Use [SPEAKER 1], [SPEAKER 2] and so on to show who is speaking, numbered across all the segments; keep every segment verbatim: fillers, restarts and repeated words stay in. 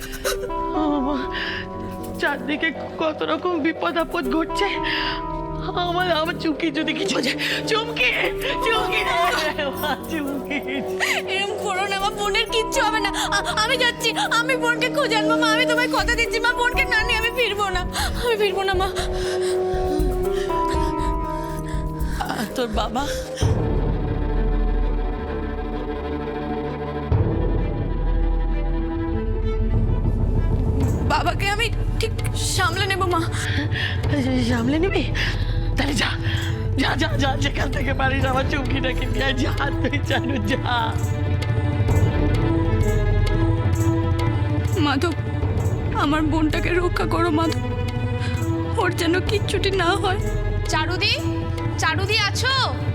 [SPEAKER 1] চারদিকে কত রকম বিপদ আপদ ঘটছে। আমার আমার চুমকি যদি কিছু হয়ে যায়, চুমকি চুমকি চুমকি
[SPEAKER 2] এরকম করো না মা, বোনের কিচ্ছু হবে না। আ- আমি যাচ্ছি, আমি বোনকে খুঁজে আনবো মা, আমি তোমায় কথা দিচ্ছি মা, বোনকে না নিয়ে আমি ফিরবো না, আমি ফিরবো না মা।
[SPEAKER 1] আর তোর বাবা?
[SPEAKER 2] বাবাকে আমি ঠিক সামলে নেব মা।
[SPEAKER 1] সামলে নিবি? তাহলে যা যা যা যা, যেখান থেকে পারিস আমার চুমকিটাকে নিয়ে যা, তুই জানো যা।
[SPEAKER 2] মাধব, আমার বোনটাকে রক্ষা করো মাধব, ওর যেন কিচ্ছুটি না হয়। চারুদি, চারুদি আছো?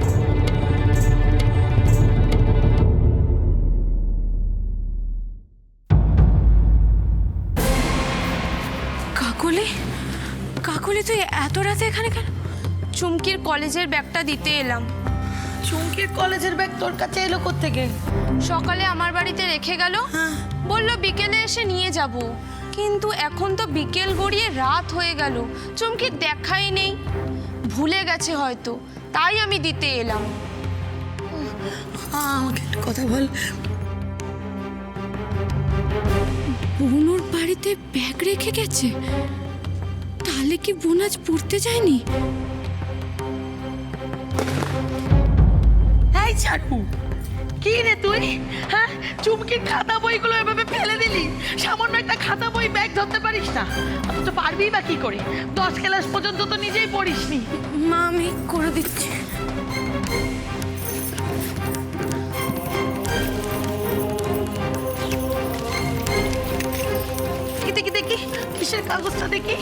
[SPEAKER 2] কাকলি, কাকলি তুই এত রাতে এখানে কেন? চুমকির কলেজের ব্যাগটা দিতে এলাম।
[SPEAKER 1] চুমকির কলেজের ব্যাগ তোর কাছে এলো কোত্থেকে?
[SPEAKER 2] সকালে আমার বাড়িতে রেখে গেল, বললো বিকেলে এসে নিয়ে যাব, কিন্তু এখন তো বিকেল গড়িয়ে রাত হয়ে গেল, চুমকি দেখাই নেই, ভুলে গেছে হয়তো, তাই আমি দিতে এলাম।
[SPEAKER 1] আমাকে একটা কথা বল।
[SPEAKER 2] বোনুর বাড়িতে ব্যাগ রেখে গেছে, তাহলে কি বোন আজ পড়তে যায়নি?
[SPEAKER 1] এই চারু, কি রে তুই? হ্যাঁ, চুমকির খাতা বইগুলো এভাবে ফেলে দিলি? সামান্য একটা খাতা বই ব্যাগ ধরতে পারিস না? অথচ পারবি বা কি করে? দশ ক্লাস পর্যন্ত তো নিজেই পড়িসনি।
[SPEAKER 2] মা আমি করে দিচ্ছি।
[SPEAKER 1] কি দেখি দেখি, কিসের কাগজটা দেখি?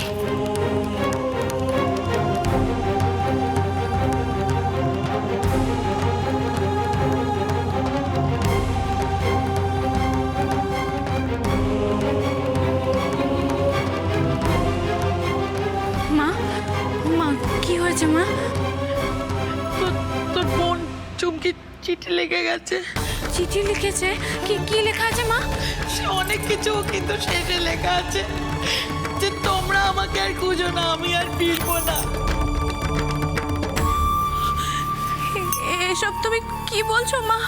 [SPEAKER 2] মা, মা কি হয়েছে মা?
[SPEAKER 1] তোর তোর বোন চুমকি চিঠি লেগে গেছে।
[SPEAKER 2] চিঠি লিখেছে? কি কি লেখা আছে মা?
[SPEAKER 1] সে অনেক কিছু, কিন্তু শেষে লেখা আছে যে তোমরা আমাকে আর খুঁজো না, আমি আর ফিরবো না।
[SPEAKER 2] এ- এসব তুমি কি বলছো মা?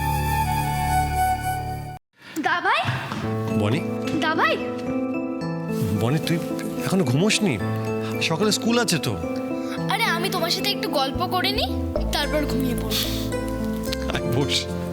[SPEAKER 3] দাভাই,
[SPEAKER 4] বনি,
[SPEAKER 3] দাভাই,
[SPEAKER 4] বনি তুই এখনো ঘুমোসনি? সকালে স্কুল আছে তো।
[SPEAKER 3] আরে আমি তোমার সাথে একটু গল্প করে নি, তারপর ঘুমিয়ে পড়ব।
[SPEAKER 4] আয় বস।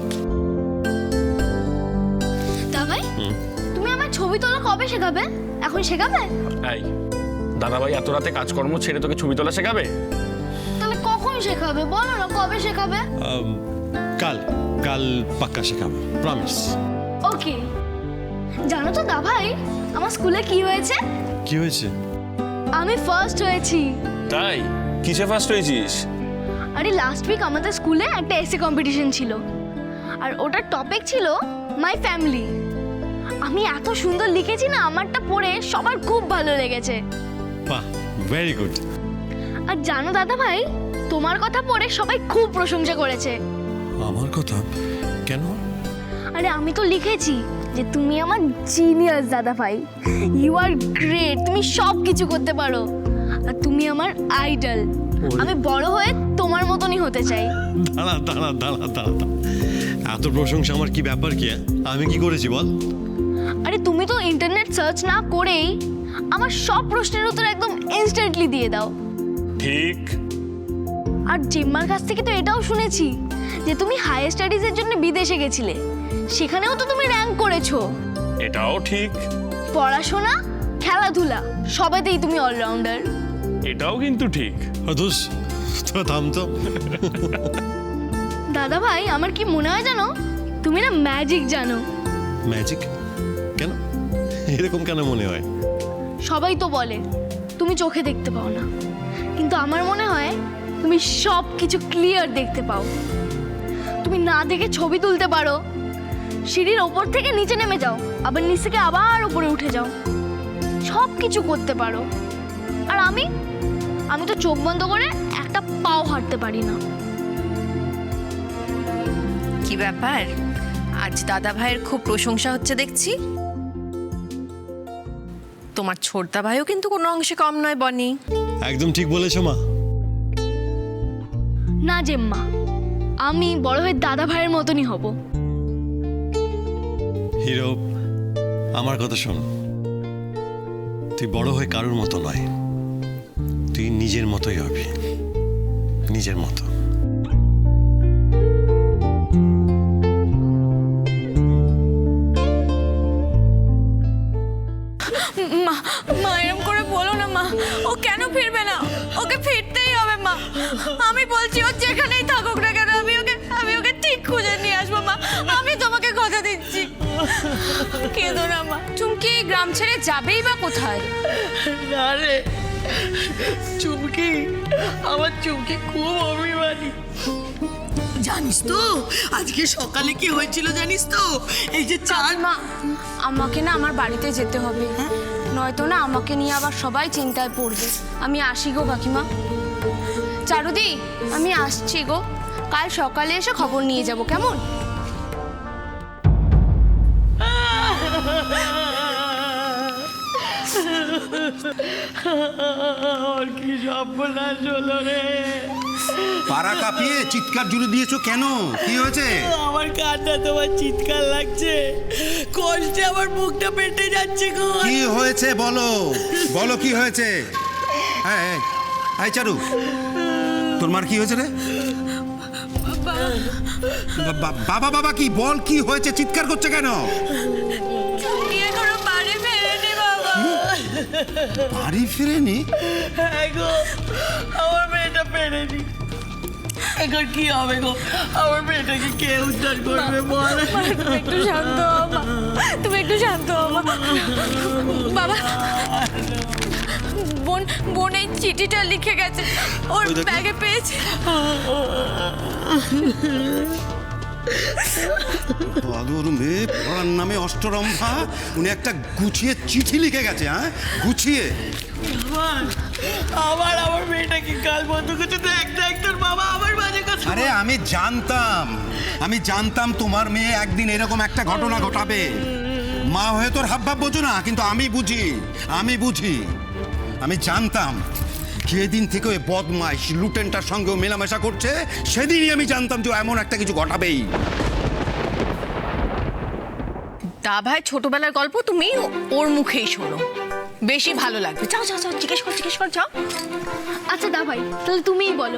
[SPEAKER 3] দাভাই, তুমি আমার ছবি তোলা কবে শেখাবে? এখন শেখাবে?
[SPEAKER 5] এই দাদাভাই এত রাতে কাজকর্ম ছেড়ে তোকে ছবি তোলা শেখাবে?
[SPEAKER 3] তাহলে কখন শেখাবে বলো না, কবে শেখাবে?
[SPEAKER 4] আম, কাল কাল পাক্কা শেখাবো, প্রমিস।
[SPEAKER 3] ওকে। জানো তো দাভাই, আমার স্কুলে কি হয়েছে?
[SPEAKER 4] কি হয়েছে?
[SPEAKER 3] আমি ফার্স্ট হয়েছি।
[SPEAKER 5] তাই? কিসে ফার্স্ট হয়েছিস?
[SPEAKER 3] আরে লাস্ট উইক আমাদের স্কুলে একটা এসে কম্পিটিশন ছিল, আর ওটার টপিক ছিল মাই ফ্যামিলি। আমি এত সুন্দর লিখেছি না, আমারটা পড়ে সবার খুব ভালো লেগেছে।
[SPEAKER 4] বাহ, ভেরি গুড।
[SPEAKER 3] আর জানো দাদা ভাই, তোমার কথা পড়ে সবাই খুব প্রশংসা করেছে।
[SPEAKER 4] আমার কথা কেন?
[SPEAKER 3] আরে আমি তো লিখেছি যে তুমি আমার জিনিয়াস দাদা ভাই, ইউ আর গ্রেট, তুমি সব কিছু করতে পারো, আর তুমি আমার আইডল। আমি বড় হয়ে তোমার মতনই হতে চাই।
[SPEAKER 4] দাঁড়া দাঁড়া দাঁড়া দাঁড়া দাঁড়া। এত প্রশংসা আমার কি ব্যাপার কি? আমি কি করেছি বল?
[SPEAKER 3] আরে তুমি তো ইন্টারনেট সার্চ না করেই আমার সব প্রশ্নের উত্তর একদম ইনস্ট্যান্টলি দিয়ে দাও।
[SPEAKER 5] ঠিক।
[SPEAKER 3] আর জিম্মার কাছ থেকে তো এটাও শুনেছি যে তুমি হায়ার স্টাডিজের জন্য বিদেশে গেছিলে, সেখানেও তো তুমি র্যাঙ্ক করেছো।
[SPEAKER 5] এটাও ঠিক।
[SPEAKER 3] পড়াশোনা, খেলাধুলা সবেতেই তুমি অলরাউন্ডার।
[SPEAKER 5] এটাও কিন্তু ঠিক।
[SPEAKER 4] দোষ তো, থাম তো।
[SPEAKER 3] দাদা ভাই, আমার কি মনে হয় জানো, তুমি না ম্যাজিক জানো।
[SPEAKER 4] ম্যাজিক? কেন এরকম কেন মনে হয়?
[SPEAKER 3] সবাই তো বলে তুমি চোখে দেখতে পাও না, কিন্তু আমার মনে হয় তুমি সব কিছু ক্লিয়ার দেখতে পাও। তুমি না দেখে ছবি তুলতে পারো, সিঁড়ির ওপর থেকে নিচে নেমে যাও, আবার নিচ থেকে আবার উপরে উঠে যাও, সব কিছু করতে পারো। আর আমি আমি তো চোখ বন্ধ করে একটা পাও হাঁটতে পারি না।
[SPEAKER 6] কি ব্যাপার, আজ দাদা ভাইয়ের খুব প্রশংসা হচ্ছে দেখছি। তোমার ছোটদা ভাইও কিন্তু কোনো অংশে কম নয় বনি।
[SPEAKER 4] একদম ঠিক বলেছো মা।
[SPEAKER 3] না জেম্মা, আমি বড় হয়ে দাদা ভাইয়ের মতনই হব।
[SPEAKER 4] হিরো, আমার কথা শোন, তুই বড় হয়ে কারোর মতো নয়, তুই নিজের মতোই হবি, নিজের মতো।
[SPEAKER 2] মা মা এরম করে বলো না মা, ও কেন ফিরবে না? ওকে ফিরতেই হবে মা। আমি বলছি ও যেখানেই থাকুক না কেন আমি ওকে আমি ওকে ঠিক খুঁজে নিয়ে আসবো মা, আমি তোমাকে কথা দিচ্ছি। কেঁদো না মা। চুমকি গ্রাম ছেড়ে যাবেই বা কোথায়?
[SPEAKER 1] না রে চুমকি, আমার চুমকি খুব অভিমানী। জানিস তো আজকে সকালে কি হয়েছিল জানিস তো? এই যে চার
[SPEAKER 2] মা আমাকে না আমার বাড়িতে যেতে হবে, নয়তো না আমাকে নিয়ে আবার সবাই চিন্তায় পড়বে। আমি আসি গো কাকিমা। চারুদি, আমি আসছি গো, কাল সকালে এসে খবর নিয়ে যাব, কেমন?
[SPEAKER 1] আর কি সর্বনাশ হলো রে।
[SPEAKER 7] পাড়া কাঁপিয়ে চিৎকার জুড়ে দিয়েছো কেন? কি হয়েছে?
[SPEAKER 1] আমার কান্না তোমার চিৎকার লাগছে, কষ্টে আমার বুকটা পেটে যাচ্ছে গো।
[SPEAKER 7] কি হয়েছে বলো, বলো কি হয়েছে? হ্যাঁ হ্যাঁ, এই চারু, তোর মার কি হয়েছে রে? বা- বা- বাবা বাবা কি বল, কি হয়েছে? চিৎকার করছে কেন?
[SPEAKER 2] এখনো বাড়ি ফেরেনি বাবা।
[SPEAKER 7] বাড়ি ফিরেনি?
[SPEAKER 1] হ্যাঁ গো, আমার মেয়েটা পেরেনি। এখন কি হবে গো? আমার মেয়েটাকে কে উদ্ধার করবে বল?
[SPEAKER 2] তুমি একটু শান্ত হও মা, তুমি একটু শান্ত হও মা। বাবা, বোন বোন এই চিঠিটা লিখে গেছে, ওর ব্যাগে পেয়েছে।
[SPEAKER 7] বাদুর মেয়ে, পড়ার নামে অষ্টরম্ভা, উনি একটা গুছিয়ে চিঠি লিখে গেছে। হ্যাঁ, গুছিয়ে।
[SPEAKER 1] আবার আবার আমার মেয়েটাকে কাল বন্ধ করছে তো একটা একটার বাবা আমার মাঝে কথা।
[SPEAKER 7] আরে আমি জানতাম, আমি জানতাম তোমার মেয়ে একদিন এরকম একটা ঘটনা ঘটাবে। মা হয়ে তোর হাবভাব বোঝো না, কিন্তু আমি বুঝি, আমি বুঝি, আমি জানতাম। যেদিন থেকে ওই বদমাইশ লুটেনটার সঙ্গেও মেলামেশা করছে, সেদিনই আমি জানতাম যে ও এমন একটা কিছু ঘটাবেই।
[SPEAKER 6] দা ভাই ছোটবেলার গল্প তুমি ওর মুখেই শোনো, বেশি ভালো লাগবে। যাও যাও যাও, জিজ্ঞেস কর জিজ্ঞেস কর যাও।
[SPEAKER 3] আচ্ছা দা ভাই, তাহলে তুমিই বলো।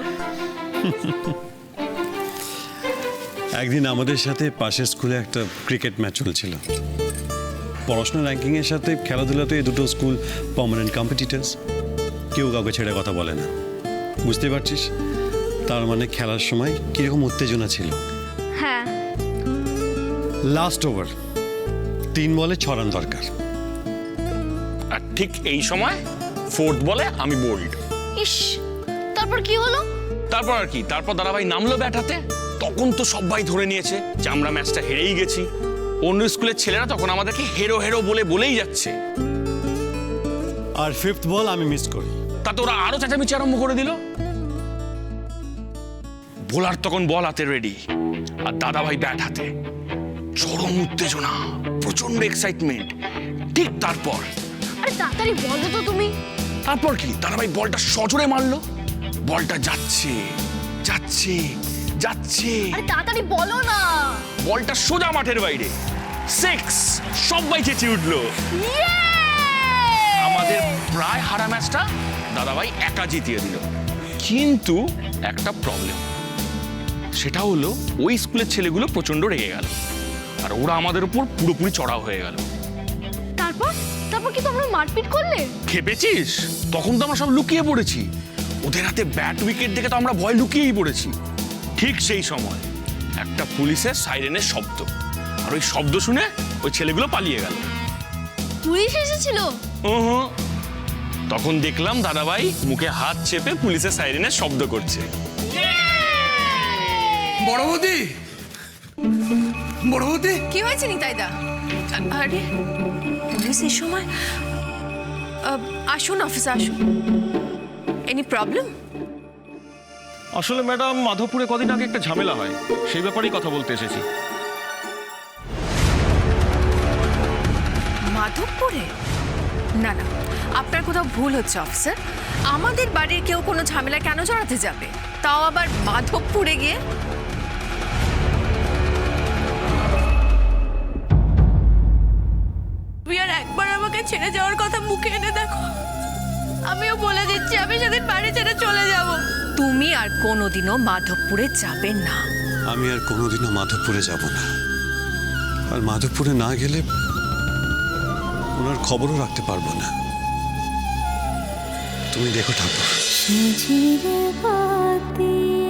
[SPEAKER 4] একদিন আমাদের সাথে পাশের স্কুলে একটা ক্রিকেট ম্যাচ চলছিল। পড়াশোনা র্যাঙ্কিংয়ের সাথে খেলাধুলাতে এই দুটো স্কুল পার্মানেন্ট কম্পিটিটার্স, কেউ কাউকে ছেড়ে কথা বলে না। বুঝতে পারছিস তার মানে খেলার সময় কীরকম উত্তেজনা ছিল।
[SPEAKER 3] হ্যাঁ,
[SPEAKER 4] লাস্ট ওভার, তিন বলে ছ রান দরকার।
[SPEAKER 5] আর ঠিক এই সময় ফোর্থ বলে আমি বোল্ড।
[SPEAKER 3] ইস, তারপর কি হলো?
[SPEAKER 5] তারপর আর কি, তারপর দাদাভাই নামলো ব্যাটাতে। তখন তো সবাই ধরে নিয়েছে যে আমরা ম্যাচটা হেরেই গেছি। অন্য স্কুলের ছেলেরা তখন আমাদেরকে হেরো হেরো বলে বলেই যাচ্ছে।
[SPEAKER 4] আর ফিফথ বল আমি মিস করি।
[SPEAKER 5] তাতে ওরা আরো চেঁচামেচি আরম্ভ করে দিল। বোলার তখন বল হাতে রেডি, আর দাদাভাই ব্যাট হাতে। চরম উত্তেজনা, প্রচন্ড এক্সাইটমেন্ট। ঠিক তারপর
[SPEAKER 3] আরে তাড়াতাড়ি বলো তো তুমি।
[SPEAKER 5] তারপর কি, দাদাভাই বলটা সজোরে মারলো। বলটা যাচ্ছে যাচ্ছে যাচ্ছে,
[SPEAKER 3] আরে তাড়াতাড়ি বলো না।
[SPEAKER 5] বলটা সোজা মাঠের বাইরে। সিক্স! সবাই চেঁচিয়ে উঠলো। আমাদের প্রায় হারা ম্যাচটা দাদাভাই একা জিতিয়ে দিল। কিন্তু একটা প্রবলেম, সেটা হলো ওই স্কুলের ছেলেগুলো প্রচন্ড রেগে গেল, আর ওরা আমাদের উপর পুরোপুরি চড়াও হয়ে গেল।
[SPEAKER 3] তারপর তারপর কি তোমরা মারপিট করলে?
[SPEAKER 5] খেপেছিস? তখন তো আমরা সব লুকিয়ে পড়েছি। ওদের হাতে ব্যাট উইকেট দেখে তো আমরা ভয় লুকিয়েই পড়েছি। ঠিক সেই সময় একটা পুলিশের সাইরেনের শব্দ, আর ওই শব্দ শুনে ওই ছেলেগুলো পালিয়ে গেল।
[SPEAKER 3] পুলিশ এসেছিল?
[SPEAKER 5] উহুঁ। তখন দেখলাম দাদাভাই মুখে হাত চেপে পুলিশের সাইরেনের শব্দ করছে।
[SPEAKER 8] বড় বৌদি, বড় বৌদি,
[SPEAKER 6] কি হয়েছে নিতাইদা? আরে পুলিশ এই সময়? আহ, আসুন অফিসে আসুন। Any problem?
[SPEAKER 5] আসলে ম্যাডাম, মাধবপুরে কদিন আগে একটা ঝামেলা হয়, সেই ব্যাপারেই কথা বলতে এসেছি।
[SPEAKER 6] মাধবপুরে? না না, আপনার কোথাও ভুল হচ্ছে অফিসার। আমাদের বাড়ির কেউ কোনো ঝামেলা কেন জড়াতে যাবে, তাও আবার মাধবপুরে গিয়ে? তুমি আর একবার আমাকে ছেড়ে যাওয়ার কথা মুখে এনে দেখো।
[SPEAKER 2] আমিও বলে দিচ্ছি আমি সেদিন বাড়ি ছেড়ে চলে যাব।
[SPEAKER 6] তুমি আর কোনোদিনও মাধবপুরে যাবে না।
[SPEAKER 4] আমি আর কোনোদিনও মাধবপুরে যাব না, আর মাধবপুরে না গেলে ওনার খবরও রাখতে পারবো না। তুমি দেখো ঠাকুর।
[SPEAKER 9] ঝিরে বাতি